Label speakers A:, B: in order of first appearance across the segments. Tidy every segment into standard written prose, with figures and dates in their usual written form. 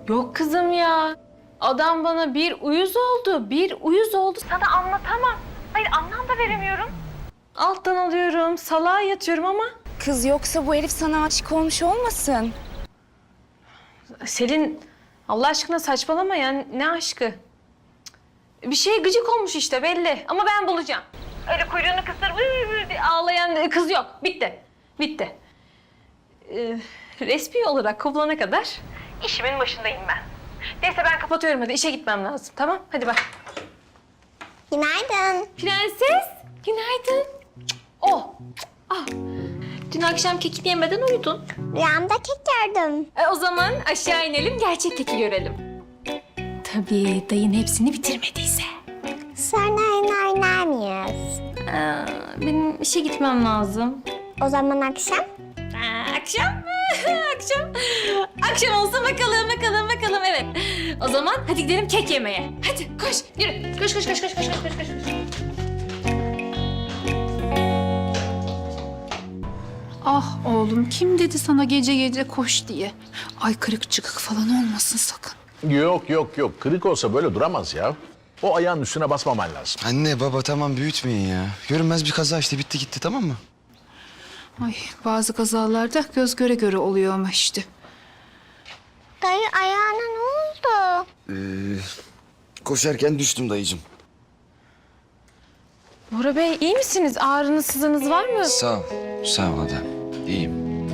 A: Yok kızım ya. Adam bana bir uyuz oldu. Sana anlatamam. Hayır, anlam da veremiyorum. Alttan alıyorum, salağa yatıyorum ama...
B: Kız yoksa bu herif sana aşık olmuş olmasın?
A: Selin, Allah aşkına saçmalama ya. Ne aşkı? Bir şeye gıcık olmuş işte belli. Ama ben bulacağım. Öyle kuyruğunu kısır ağlayan kız yok. Bitti. Resmi olarak kovulana kadar işimin başındayım ben. Neyse ben kapatıyorum hadi. İşe gitmem lazım. Tamam? Hadi bak.
C: Günaydın.
A: Prenses, günaydın. Oh. Ah. Dün akşam kekini yemeden uyudun.
C: Rüyamda kek gördüm.
A: O zaman aşağı inelim, gerçek keki görelim. Tabii dayın hepsini bitirmediyse.
C: Sonra oyun oynar mıyız?
A: Benim işe gitmem lazım.
C: O zaman akşam?
A: Akşam mı? Akşam olsa bakalım evet. O zaman hadi gidelim kek yemeye. Hadi koş yürü. Koş.
D: Ah oğlum kim dedi sana gece gece koş diye? Ay kırık çıkık falan olmasın sakın.
E: Yok. Kırık olsa böyle duramaz ya. O ayağın üstüne basmaman lazım.
F: Anne baba tamam büyütmeyin ya. Görünmez bir kaza işte bitti gitti tamam mı?
D: Ay bazı kazalarda göz göre göre oluyor ama işte.
C: Dayı ayağına ne oldu?
F: Koşarken düştüm dayıcığım.
A: Bora Bey iyi misiniz? Ağrınız sızınız var mı?
F: Sağ ol Ada. İyiyim.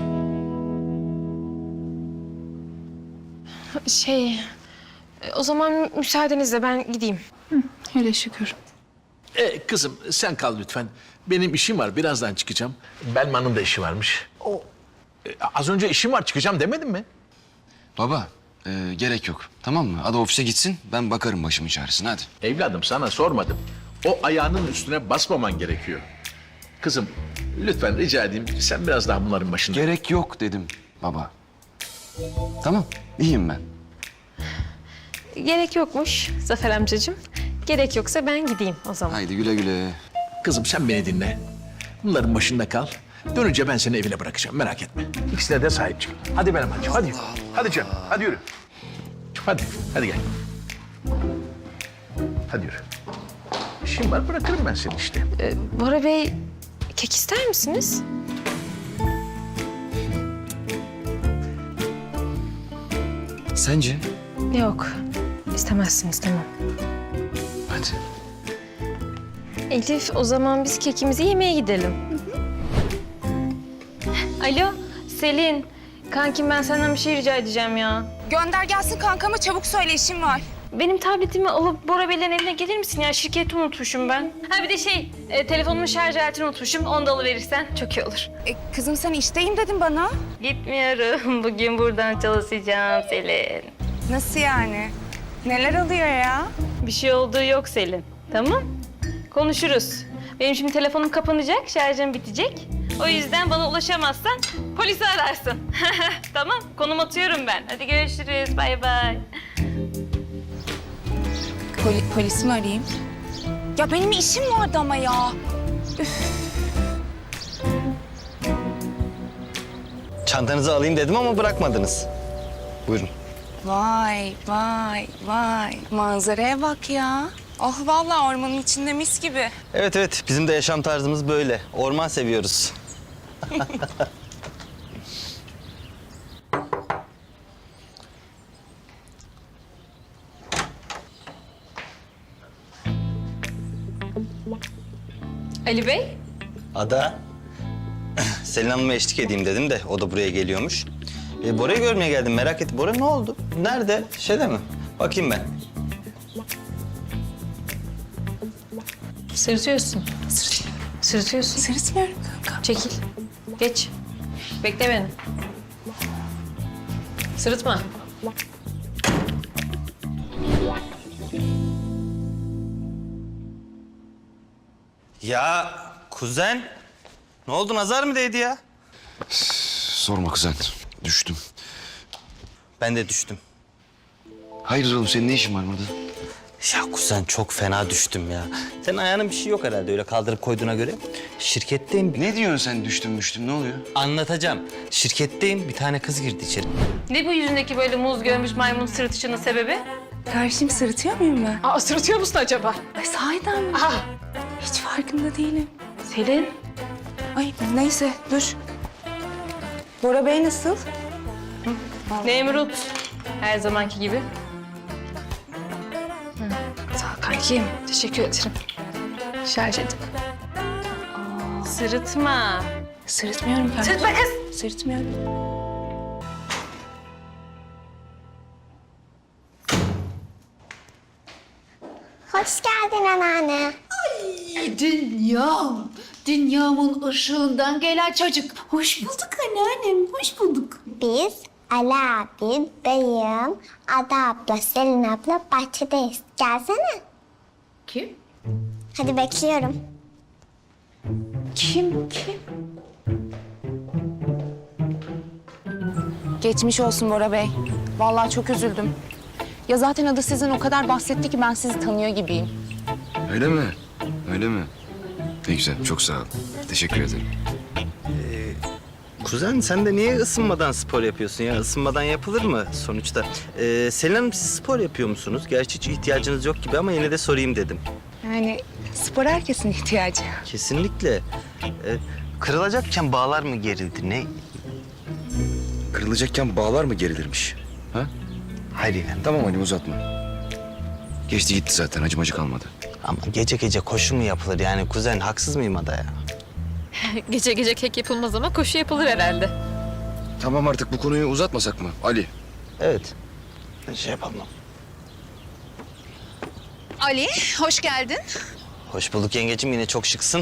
A: O zaman müsaadenizle ben gideyim.
D: Hele şükür.
E: Kızım sen kal lütfen. Benim işim var, birazdan çıkacağım. Belman'ın da işi varmış. Az önce işim var, çıkacağım demedim mi?
F: Baba gerek yok tamam mı? Ada ofise gitsin ben bakarım başımın çaresine hadi.
E: Evladım sana sormadım. O ayağının üstüne basmaman gerekiyor. Kızım lütfen rica edeyim sen biraz daha bunların başında.
F: Gerek yok dedim baba. Tamam iyiyim ben.
A: Gerek yokmuş Zafer amcacığım. Gerek yoksa ben gideyim o zaman.
F: Haydi güle güle.
E: Kızım sen beni dinle. Bunların başında kal. Dönünce ben seni evine bırakacağım merak etme. İkisine de sahip çık. Hadi benim hacım hadi. Hadi canım hadi yürü. Hadi gel. Hadi yürü. İşim var bırakırım ben seni işte.
A: Bora Bey kek ister misiniz?
F: Sence?
A: Yok. İstemezsiniz tamam.
F: Hadi.
A: Elif o zaman biz kekimizi yemeye gidelim. Alo Selin. Kankim ben senden bir şey rica edeceğim ya.
B: Gönder gelsin kankama çabuk söyle işim var.
A: Benim tabletimi alıp Bora Bey'lerin evine gelir misin ya? Şirketi unutmuşum ben. Ha bir de telefonumun şarj aletini unutmuşum. Onu da alıverirsen çok iyi olur.
B: Kızım sen işteyim dedin bana.
A: Gitmiyorum. Bugün buradan çalışacağım Selin.
B: Nasıl yani? Neler oluyor ya?
A: Bir şey olduğu yok Selin. Tamam? Konuşuruz. Benim şimdi telefonum kapanacak, şarjım bitecek. O yüzden bana ulaşamazsan polisi ararsın. Tamam, konum atıyorum ben. Hadi görüşürüz, bay bay.
B: Polis mi arayayım? Ya benim işim vardı ama ya.
G: Çantanızı alayım dedim ama bırakmadınız. Buyurun.
B: Vay. Manzaraya bak ya. Oh vallahi ormanın içinde mis gibi.
G: Evet bizim de yaşam tarzımız böyle. Orman seviyoruz.
A: Ali Bey?
G: Ada. Selin Hanım'a eşlik edeyim dedim de o da buraya geliyormuş. Bora'yı görmeye geldim merak ettim. Bora ne oldu? Nerede? Şeyde mi? Bakayım ben.
A: Sırıtıyorsun. Sırıtıyorsun.
B: Sırıtmıyorum kanka.
A: Çekil. Geç. Bekle beni. Sırıtma.
G: Ya kuzen. Ne oldu nazar mı değdi ya?
F: Sorma kuzen düştüm.
G: Ben de düştüm.
F: Hayırdır oğlum senin ne işin var burada?
G: Ya kuzen çok fena düştüm ya. Senin ayağının bir şey yok herhalde öyle kaldırıp koyduğuna göre. Şirketteyim.
F: Ne diyorsun sen düştüm ne oluyor?
G: Anlatacağım. Şirketteyim bir tane kız girdi içeri.
A: Ne bu yüzündeki böyle muz görmüş maymun sırıtışının sebebi?
B: Karşım sırıtıyor muyum ben?
A: Aa, sırıtıyor musun acaba?
B: Ay sahiden mi? Hiç farkında değilim.
A: Selin.
B: Ay neyse dur. Bora Bey nasıl?
A: Nemrut. Her zamanki gibi.
D: Sağ ol kankim. Teşekkür ederim. Şarj edin.
A: Sırıtma.
B: Sırıtmıyorum kankim.
A: Sırıtma kız.
B: Sırıtmıyorum.
C: Hoş geldin anneanne.
D: Dünyamın ışığından gelen çocuk. Hoş bulduk anneannem, hoş bulduk.
C: Biz Ali abi, dayım, Ada abla, Selin abla bahçedeyiz. Gelsene.
D: Kim?
C: Hadi bekliyorum.
B: Kim? Geçmiş olsun Bora Bey. Vallahi çok üzüldüm. Ya zaten adı sizin o kadar bahsetti ki ben sizi tanıyor gibiyim.
F: Öyle mi? Öyle mi? Ne güzel, çok sağ ol. Teşekkür ederim.
G: Kuzen sen de niye ısınmadan spor yapıyorsun ya? Isınmadan yapılır mı sonuçta? Selin Hanım siz spor yapıyor musunuz? Gerçi hiç ihtiyacınız yok gibi ama yine de sorayım dedim.
B: Yani spor herkesin ihtiyacı.
G: Kesinlikle. Kırılacakken bağlar mı gerildi ne?
F: Kırılacakken bağlar mı gerilirmiş? Ha?
G: Hayır yani.
F: Tamam hadi uzatma. Geçti gitti zaten, acımacı kalmadı.
G: Ama gece gece koşu mu yapılır yani kuzen haksız mıyım Ada ya?
A: Gece gece kek yapılmaz ama koşu yapılır herhalde.
F: Tamam artık bu konuyu uzatmasak mı Ali?
G: Evet. Şey yapalım.
D: Ali, hoş geldin.
G: Hoş bulduk yengecim yine çok şıksın.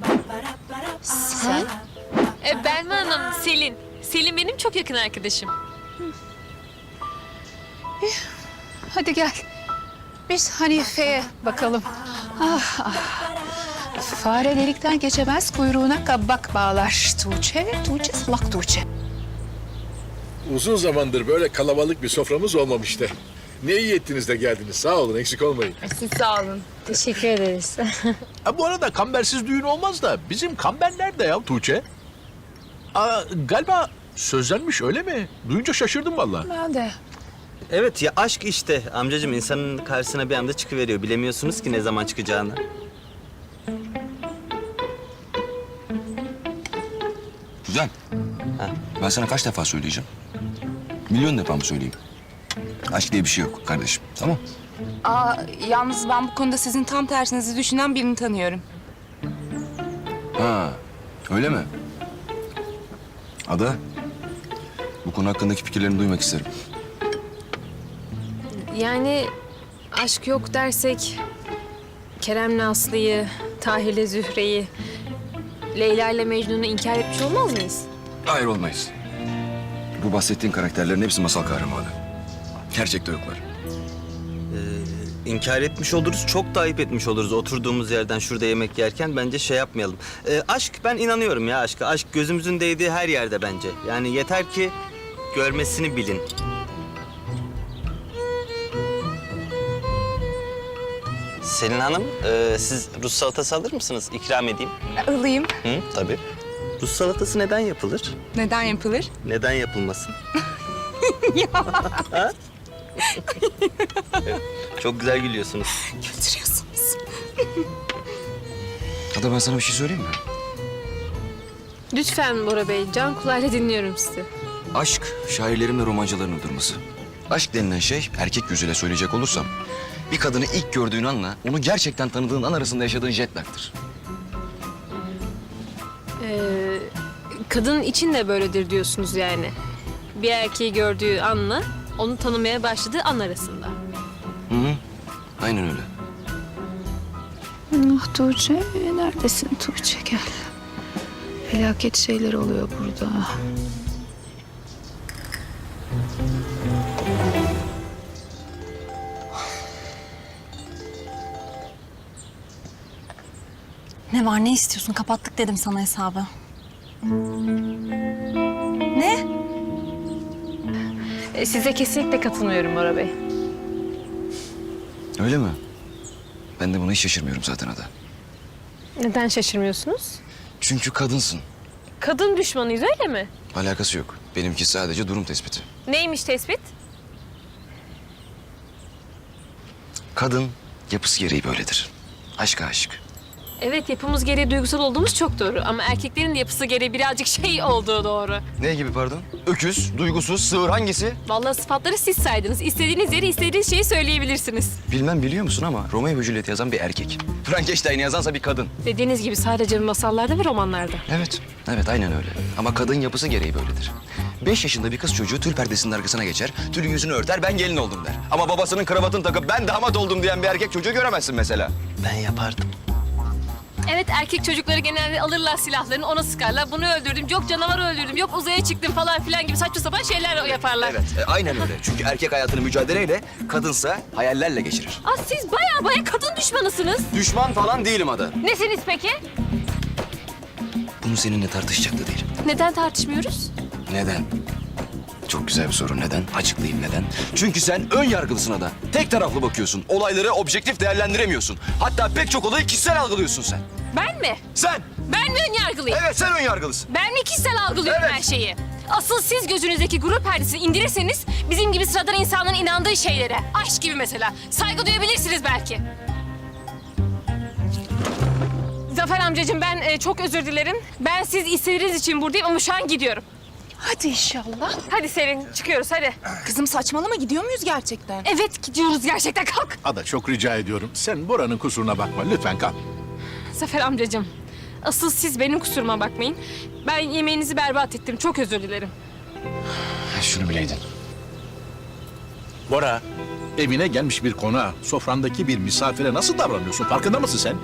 A: Belma Hanım, Selin. Selin benim çok yakın arkadaşım.
D: Hadi gel. Biz Hanife'ye bakalım. Fare delikten geçemez, kuyruğuna kabak bağlar. Tuğçe salak Tuğçe.
E: Uzun zamandır böyle kalabalık bir soframız olmamıştı. Ne iyi ettiniz de geldiniz. Sağ olun, eksik olmayın.
A: Siz sağ olun. Teşekkür ederiz.
E: Bu arada kambersiz düğün olmaz da bizim kamber nerede ya Tuğçe? Galiba sözlenmiş öyle mi? Duyunca şaşırdım vallahi.
D: Ben de.
G: Evet ya aşk işte amcacığım insanın karşısına bir anda çıkıveriyor. Bilemiyorsunuz ki ne zaman çıkacağını.
F: Güzel.
G: Ha.
F: Ben sana kaç defa söyleyeceğim? Milyon defa mı söyleyeyim? Aşk diye bir şey yok kardeşim, tamam?
B: Yalnız ben bu konuda sizin tam tersinizi düşünen birini tanıyorum.
F: Ha, öyle mi? Ada, bu konu hakkındaki fikirlerini duymak isterim.
H: Yani aşk yok dersek Kerem'le Aslı'yı, Tahir'le Zühre'yi, Leyla'yla Mecnun'u inkar etmiş olmaz mıyız?
F: Hayır olmayız. Bu bahsettiğin karakterlerin hepsi masal kahramanı. Gerçekte yoklar.
G: İnkar etmiş oluruz, çok da ayıp etmiş oluruz oturduğumuz yerden şurada yemek yerken. Bence şey yapmayalım. Aşk, ben inanıyorum ya aşka. Aşk gözümüzün değdiği her yerde bence. Yani yeter ki görmesini bilin. Selin Hanım, siz Rus salatası alır mısınız? İkram edeyim.
B: Alayım.
G: Hı, tabii. Rus salatası neden yapılır?
B: Neden yapılır?
G: Neden yapılmasın? Ha? Evet, çok güzel gülüyorsunuz.
B: Götürüyorsunuz.
F: Ada ben sana bir şey söyleyeyim mi?
H: Lütfen Bora Bey, can kulağıyla dinliyorum sizi.
F: Aşk, şairlerin ve romancıların uydurması. Aşk denilen şey, erkek gözüyle söyleyecek olursam... ...bir kadını ilk gördüğün anla, onu gerçekten tanıdığın an arasında yaşadığın jet lag'tır.
H: Kadın için de böyledir diyorsunuz yani. Bir erkeği gördüğü anla onu tanımaya başladığı an arasında.
F: Hı hı, aynen öyle.
D: Ah Tuğçe, neredesin Tuğçe? Gel. Felaket şeyler oluyor burada.
B: Ne var ne istiyorsun? Kapattık dedim sana hesabı. Ne?
A: Size kesinlikle katılmıyorum Bora Bey.
F: Öyle mi? Ben de buna hiç şaşırmıyorum zaten Ada.
H: Neden şaşırmıyorsunuz?
F: Çünkü kadınsın.
H: Kadın düşmanıyız öyle mi?
F: Alakası yok. Benimki sadece durum tespiti.
H: Neymiş tespit?
F: Kadın yapısı gereği böyledir. Aşka aşık.
H: Evet, yapımız gereği duygusal olduğumuz çok doğru. Ama erkeklerin de yapısı gereği birazcık şey olduğu doğru.
F: Ne gibi pardon? Öküz, duygusuz, sığır hangisi?
H: Vallahi sıfatları siz saydınız. İstediğiniz yeri istediğiniz şeyi söyleyebilirsiniz.
F: Bilmem biliyor musun ama Romeo ve Juliet yazan bir erkek. Frankenstein'i yazansa bir kadın.
H: Dediğiniz gibi sadece masallarda ve romanlarda.
F: Evet, evet aynen öyle. Ama kadın yapısı gereği böyledir. 5 yaşında bir kız çocuğu tül perdesinin arkasına geçer, tülün yüzünü örter, ben gelin oldum der. Ama babasının kravatını takıp ben damat oldum diyen bir erkek çocuğu göremezsin mesela.
G: Ben yapardım.
H: Evet, erkek çocukları genelde alırlar silahlarını, ona sıkarlar. Bunu öldürdüm, yok canavarı öldürdüm, yok uzaya çıktım falan filan gibi saçma sapan şeyler yaparlar.
F: Evet, aynen öyle. Çünkü erkek hayatını mücadeleyle, kadınsa hayallerle geçirir.
H: Aa, siz baya kadın düşmanısınız.
F: Düşman falan değilim Ada.
H: Nesiniz peki?
F: Bunu seninle tartışacak da değilim.
H: Neden tartışmıyoruz?
F: Neden? Çok güzel bir soru. Neden? Açıklayayım neden. Çünkü sen ön yargılısın Ada. Tek taraflı bakıyorsun. Olayları objektif değerlendiremiyorsun. Hatta pek çok olayı kişisel algılıyorsun sen.
H: Ben mi?
F: Sen!
H: Ben mi ön yargılıyım?
F: Evet sen ön yargılısın.
H: Ben mi kişisel algılıyorum
F: Evet.
H: her şeyi? Asıl siz gözünüzdeki gurur perdesini indirirseniz bizim gibi sıradan insanların inandığı şeylere, aşk gibi mesela, saygı duyabilirsiniz belki. Zafer amcacığım ben çok özür dilerim. Ben siz istediğiniz için buradayım ama şu an gidiyorum.
B: Hadi inşallah.
H: Hadi Selin çıkıyoruz hadi.
B: Kızım saçmalama, gidiyor muyuz gerçekten?
H: Evet gidiyoruz gerçekten, kalk.
E: Ada çok rica ediyorum. Sen Bora'nın kusuruna bakma. Lütfen kal.
H: Zafer amcacığım asıl siz benim kusuruma bakmayın. Ben yemeğinizi berbat ettim, çok özür dilerim.
F: Şunu bileydin.
E: Bora, evine gelmiş bir konağa, sofrandaki bir misafire nasıl davranıyorsun? Farkında mısın sen?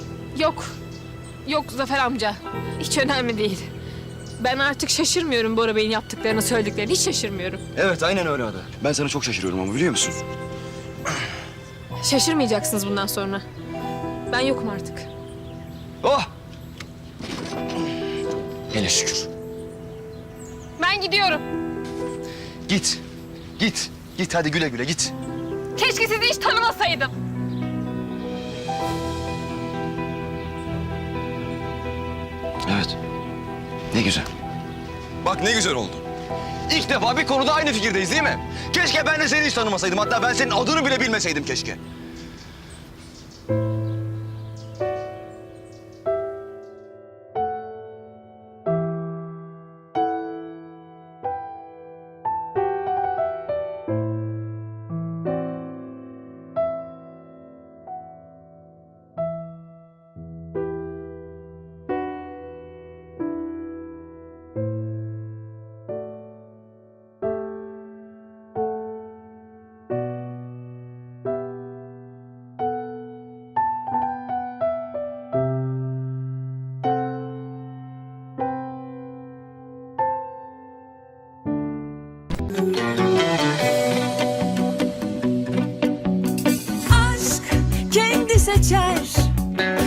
H: Yok Zafer amca. Hiç önemli değil. Ben artık şaşırmıyorum Bora Bey'in yaptıklarını, söylediklerini. Hiç şaşırmıyorum.
F: Evet aynen öyle Ada. Ben sana çok şaşırıyorum ama biliyor musun?
H: Şaşırmayacaksınız bundan sonra. Ben yokum artık.
F: Oh! Hele şükür.
H: Ben gidiyorum.
F: Git. Git. Git hadi güle güle git.
H: Keşke sizi hiç tanımasaydım.
F: Evet. Ne güzel. Bak ne güzel oldu. İlk defa bir konuda aynı fikirdeyiz değil mi? Keşke ben de seni hiç tanımasaydım. Hatta ben senin adını bile bilmeseydim keşke.
I: aşk kendi seçer